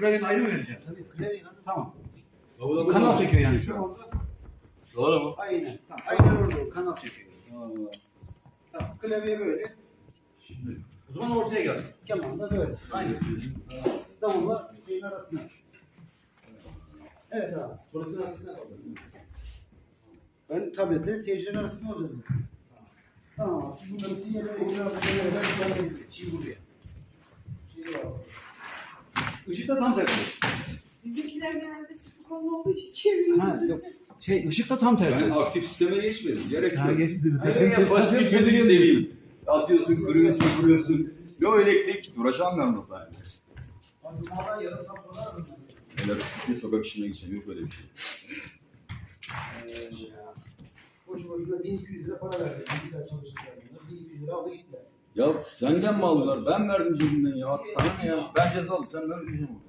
Klavyeni ayrı mı vereceğim? Tabii klavye. Tamam. Kanal çekiyor yani şu an. Doğru mu? Aynen. Tamam. Aynen orada. Kanal çekiyor. Tamam. Klavye böyle. Şimdi o zaman ortaya gel. Keman da böyle. Aynen. Davulla şeyin arasına. Evet abi. Sonrasında hangisine kaldı? Ben tablette seyircilerin arasında oluyorum. Tamam. Bunların sinyalleri Şimdi buraya. Işıkta tam tersi. Bizimkiler genelde sıkı konu olduğu için çeviriyor. Ha yok. Işıkta tam tersi. Ben aktif sisteme geçmedim. Gerek yok. Ha, geçti. Hayır ya pasif gözünü seveyim. Atıyorsun, kuruyorsun. Yo elektrik. Duracağım ben ondan zaten. Cuma'dan yarından sonra Öyle bisiklet sokak işine gideceğim. Yok öyle bir şey. boşu boşuna 1200 lira para verdim. Bir saat çalışırken. 1200 lira aldı gitti. Ya senden mi aldılar? Ben verdim cebimden ya. Sana ne ya? Ben cezalı. Sen ver diyeceğim.